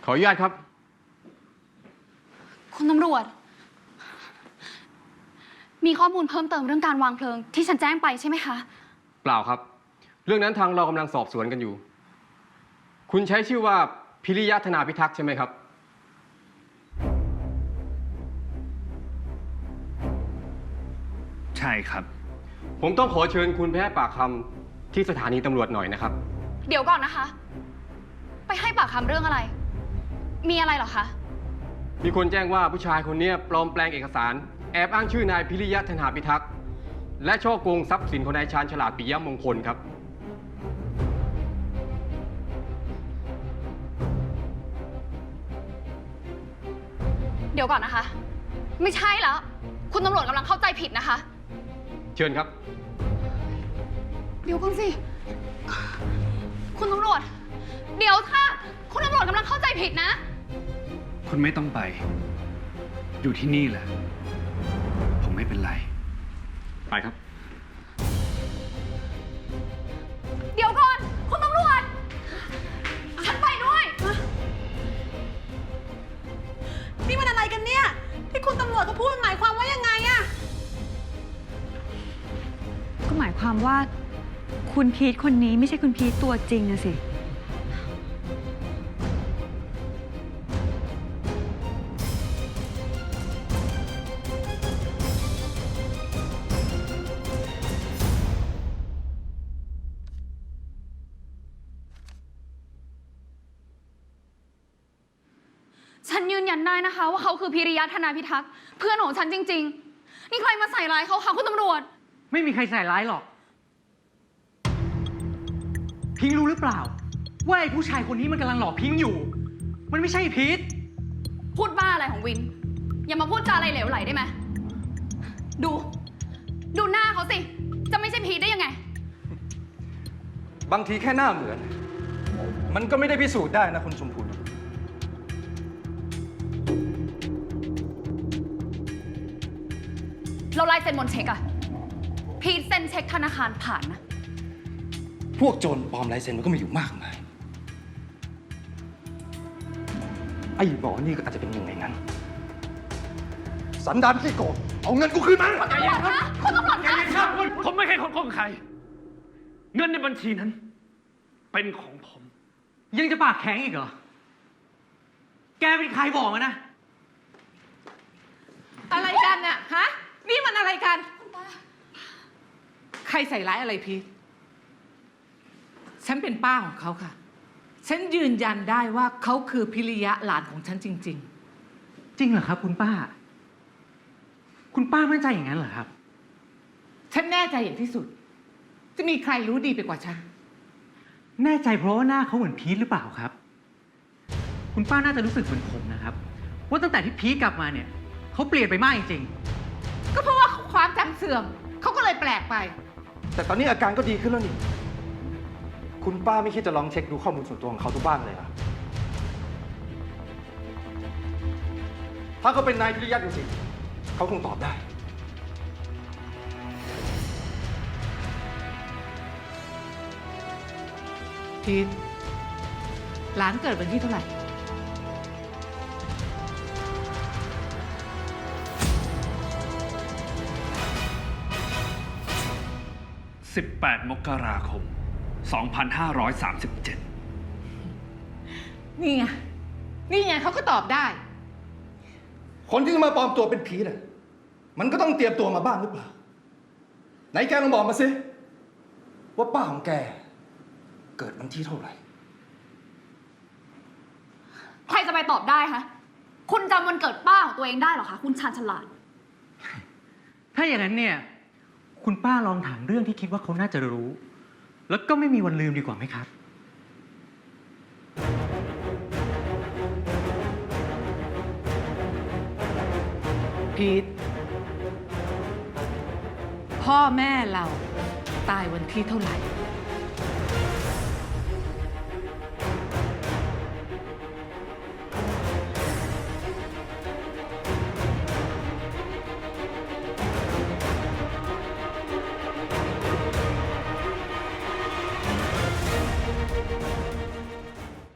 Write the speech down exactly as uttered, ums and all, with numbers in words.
ขออนุญาตครับคุณตำรวจมีข้อมูลเพิ่มเติมเรื่องการวางเพลิงที่ฉันแจ้งไปใช่ไหมคะเปล่าครับเรื่องนั้นทางเรากำลังสอบสวนกันอยู่ คุณใช้ชื่อว่าพิริยะธนาพิทักษ์ใช่ไหมครับใช่ครับผมต้องขอเชิญคุณไปให้ปากคำที่สถานีตำรวจหน่อยนะครับเดี๋ยวก่อนนะคะไปให้ปากคำเรื่องอะไรมีอะไรเหรอคะมีคนแจ้งว่าผู้ชายคนนี้ปลอมแปลงเอกสารแอบอ้างชื่อนายพิริยะธนาพิทักษ์และช่อโกงทรัพย์สินของนายชาญฉลาดปิยมงคลครับเดี๋ยวก่อนนะคะไม่ใช่แล้วคุณตำรวจกำลังเข้าใจผิดนะคะเชิญครับเดี๋ยวก่อนสิคุณตำรวจเดี๋ยวถ้าคุณตำรวจกำลังเข้าใจผิดนะคุณไม่ต้องไปอยู่ที่นี่แหละผมไม่เป็นไรไปครับเดี๋ยวก่อนคุณตำรวจฉันไปด้วยนี่มันอะไรกันเนี่ยที่คุณตำรวจก็พูดหมายความว่ายังไงอะก็หมายความว่าคุณพีทคนนี้ไม่ใช่คุณพีทตัวจริงอะสิฉันยืนยันได้นะคะว่าเขาคือพิริยะธนาพิทักษ์เพื่อนของฉันจริงๆนี่ใครมาใส่ร้ายเขาคะคุณตำรวจไม่มีใครใส่ร้ายหรอกพิงรู้หรือเปล่าว่าไอ้ผู้ชายคนนี้มันกำลังหลอกพิงอยู่มันไม่ใช่พีทพูดบ้าอะไรของวินอย่ามาพูดจาอะไรเหลวไหลได้ไหมดูดูหน้าเขาสิจะไม่ใช่พีทได้ยังไงบางทีแค่หน้าเหมือนมันก็ไม่ได้พิสูจน์ได้นะคุณชมพูเราไล่เซ็นบนเช็คอะพีทเซ็นเช็คธนาคารผ่านนะพวกโจรปลอมลายเซ็นมันก็มีอยู่มากมายไอ้หมอนี่ก็อาจจะเป็นหนึ่งในนั้นสันดานขี้โกงเอาเงินกูคืนมาใจเย็นครับคุณตำรวจใจเย็นครับคุณผมไม่เคยขอโกงใครเงินในบัญชีนั้นเป็นของผมยังจะปากแข็งอีกเหรอแกเป็นใครบอกมานะอะไรกันน่ะฮะนี่มันอะไรกันใครใส่ร้ายอะไรพีทฉันเป็นป้าของเขาค่ะฉันยืนยันได้ว่าเขาคือพิริยะหลานของฉันจริงๆจริงเหรอครับคุณป้าคุณป้ามั่นใจอย่างนั้นเหรอครับฉันแน่ใจอย่างที่สุดจะมีใครรู้ดีไปกว่าฉันแน่ใจเพราะว่าหน้าเขาเหมือนพีทหรือเปล่าครับคุณป้าน่าจะรู้สึกเหมือนผมนะครับว่าตั้งแต่ที่พีทกลับมาเนี่ยเขาเปลี่ยนไปมากจริงๆก็เพราะว่าความจำเสื่อมเขาก็เลยแปลกไปแต่ตอนนี้อาการก็ดีขึ้นแล้วนี่คุณป้าไม่คิดจะลองเช็คดูข้อมูลส่วนตัวของเขาทุกบ้างเลยเหรอถ้าเขาเป็นนายพิริยะจริงๆเขาคงตอบได้พีทหลานเกิดวันที่เท่าไหร่สิบแปดมกราคมสองพันห้าร้อยสามสิบเจ็ดนี่ไงนี่ไงเขาก็ตอบได้คนที่จะมาปลอมตัวเป็นผีน่ะมันก็ต้องเตรียมตัวมาบ้างหรือเปล่าไหนแกลองบอกมาสิว่าป้าของแกเกิดวันที่เท่าไหร่ใครจะไปตอบได้คะคุณจำวันเกิดป้าของตัวเองได้หรอคะคุณชาญฉลาดถ้าอย่างนั้นเนี่ยคุณป้าลองถามเรื่องที่คิดว่าเขาน่าจะรู้แล้วก็ไม่มีวันลืมดีกว่าไหมครับพีทพ่อแม่เราตายวันที่เท่าไหร่